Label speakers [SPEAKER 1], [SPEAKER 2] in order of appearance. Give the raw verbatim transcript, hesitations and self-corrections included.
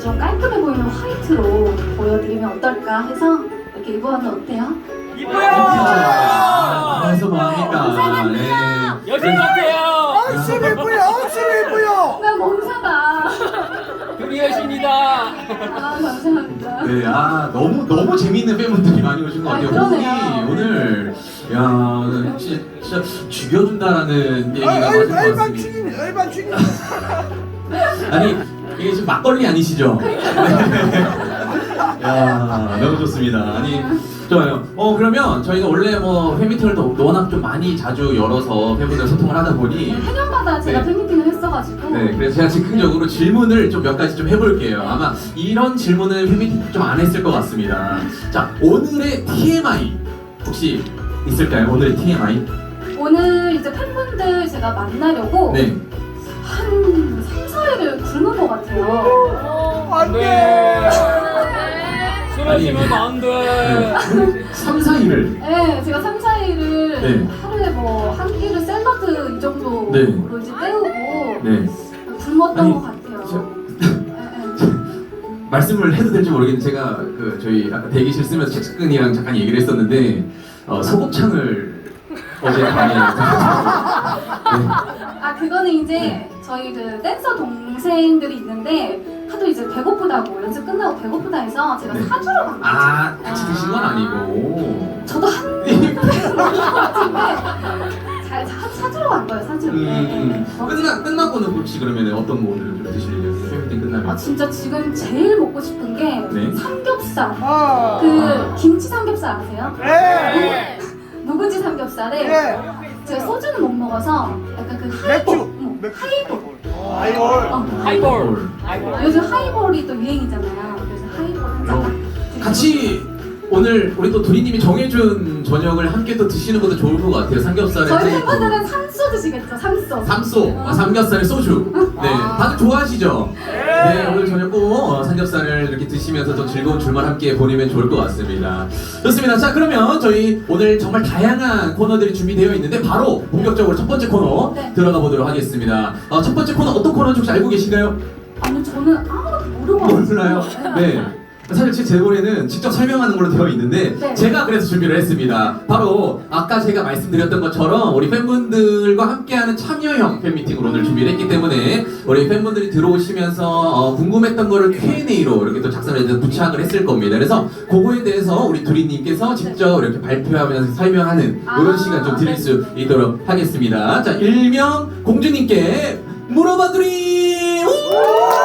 [SPEAKER 1] 좀 깔끔해 보이는 화이트로 보여드리면 어떨까 해서 이렇게 입어봤는데 어때요?
[SPEAKER 2] 이뻐요.
[SPEAKER 3] 그래서 뭐합니까? 네.
[SPEAKER 2] 여신 같아요.
[SPEAKER 4] 엄청 예뻐요, 엄청 예뻐요.
[SPEAKER 1] 나 몸사다.
[SPEAKER 2] 우리 여신이다.
[SPEAKER 1] 아 감사합니다.
[SPEAKER 3] 네, 아 너무 너무 재미있는 팬분들이 많이 오신 것
[SPEAKER 1] 아,
[SPEAKER 3] 같아요.
[SPEAKER 1] 그러네요.
[SPEAKER 3] 분이 오늘 야 진짜, 진짜 죽여준다라는 얘기가
[SPEAKER 4] 아,
[SPEAKER 3] 맞은 것
[SPEAKER 4] 얼반
[SPEAKER 3] 같습니다.
[SPEAKER 4] 죽이네, 얼반 죽이네.
[SPEAKER 3] 아니 이게 지금 막걸리 아니시죠? 야 너무 좋습니다. 아니 좋아요. 어 그러면 저희가 원래 뭐 팬미팅을 또 워낙 좀 많이 자주 열어서 팬분들 소통을 하다 보니
[SPEAKER 1] 해년마다 제가
[SPEAKER 3] 네.
[SPEAKER 1] 팬미팅을 했어가지고
[SPEAKER 3] 네 그래서 제가 즉흥적으로 질문을 좀 몇 가지 좀 해볼게요. 아마 이런 질문을 팬미팅 좀 안 했을 것 같습니다. 자 오늘의 티엠아이 혹시 있을까요? 오늘의 티엠아이?
[SPEAKER 1] 오늘 이제 팬분들 제가 만나려고
[SPEAKER 3] 네.
[SPEAKER 1] 한 삼, 사 일을 굶은 것 같아요.
[SPEAKER 4] 안 돼.
[SPEAKER 2] 네. 술
[SPEAKER 3] 아니,
[SPEAKER 2] 마시면 안 돼.
[SPEAKER 3] 삼, 사 일을
[SPEAKER 1] 네, 제가 삼, 사 일을
[SPEAKER 3] 네.
[SPEAKER 1] 하루에 뭐 한 끼를 샐러드 이 정도로
[SPEAKER 3] 네.
[SPEAKER 1] 이제 때우고
[SPEAKER 3] 네.
[SPEAKER 1] 굶었던
[SPEAKER 3] 아니,
[SPEAKER 1] 것 같아요.
[SPEAKER 3] 저-
[SPEAKER 1] 네, 네.
[SPEAKER 3] 말씀을 해도 될지 모르겠는데 제가 그 저희 아까 대기실 쓰면서 책근이랑 잠깐 얘기를 했었는데 어, 소곱창을 어제 많이 네.
[SPEAKER 1] 아 그거는 이제
[SPEAKER 3] 네.
[SPEAKER 1] 저희 그 댄서 동생들이 있는데 하도 이제 배고프다고 연습 끝나고 배고프다 해서 제가
[SPEAKER 3] 네.
[SPEAKER 1] 사주러 간 거죠.
[SPEAKER 3] 아 같이 드신 건 아니고
[SPEAKER 1] 저도 한 입 같은데 잘 사, 사주러 간 거예요 사주러.
[SPEAKER 3] 음,
[SPEAKER 1] 네, 네, 네.
[SPEAKER 3] 음. 끝나 끝나고는 혹시 그러면 어떤 거 오늘 좀 드실 예정이세요? 팬미팅 끝나면?
[SPEAKER 1] 아 진짜 지금 제일 먹고 싶은 게
[SPEAKER 3] 네.
[SPEAKER 1] 삼겹살.
[SPEAKER 4] 아.
[SPEAKER 1] 그 김치 삼겹살 아세요?
[SPEAKER 4] 네.
[SPEAKER 1] 묵은지 삼겹살에
[SPEAKER 4] 네.
[SPEAKER 1] 제가 소주는 못 먹어서 약간 그 하이볼,
[SPEAKER 4] 맥주.
[SPEAKER 1] 어,
[SPEAKER 4] 맥주.
[SPEAKER 1] 하이볼.
[SPEAKER 4] 아이볼.
[SPEAKER 1] 어,
[SPEAKER 2] 하이볼. 하이볼.
[SPEAKER 1] 요즘 하이볼이 또 유행이잖아요. 그래서 하이볼 한 잔.
[SPEAKER 3] 어, 같이 오늘 우리 또 도리님이 정해준 저녁을 함께 또 드시는 것도 좋을 것 같아요. 삼겹살에
[SPEAKER 1] 저희
[SPEAKER 3] 또
[SPEAKER 1] 팬분들은 삼소 드시겠죠? 삼소.
[SPEAKER 3] 삼소, 아, 삼겹살에 소주. 네, 다들 좋아하시죠? 네, 오늘 저녁 꼭 어, 삼겹살을 이렇게 드시면서 좀 즐거운 주말 함께 보내면 좋을 것 같습니다. 좋습니다. 자, 그러면 저희 오늘 정말 다양한 코너들이 준비되어 있는데 바로 본격적으로 첫 번째 코너
[SPEAKER 1] 네.
[SPEAKER 3] 들어가 보도록 하겠습니다. 어, 첫 번째 코너 어떤 코너인지 혹시 알고 계신가요?
[SPEAKER 1] 아니 저는 아무것도 모르고
[SPEAKER 3] 몰라요?
[SPEAKER 1] 왔어요.
[SPEAKER 3] 네. 사실 제 제보에는 직접 설명하는 걸로 되어 있는데
[SPEAKER 1] 네.
[SPEAKER 3] 제가 그래서 준비를 했습니다. 바로 아까 제가 말씀드렸던 것처럼 우리 팬분들과 함께하는 참여형 팬미팅으로 오늘 준비를 했기 때문에 우리 팬분들이 들어오시면서 어, 궁금했던 거를 큐 앤 에이로 이렇게 또 작성을 해서 부착을 했을 겁니다. 그래서 그거에 대해서 우리 두리님께서 직접 이렇게 발표하면서 설명하는 이런
[SPEAKER 1] 아,
[SPEAKER 3] 시간 좀 드릴
[SPEAKER 1] 네.
[SPEAKER 3] 수 있도록 하겠습니다. 자, 일명 공주님께 물어봐 두리! 우!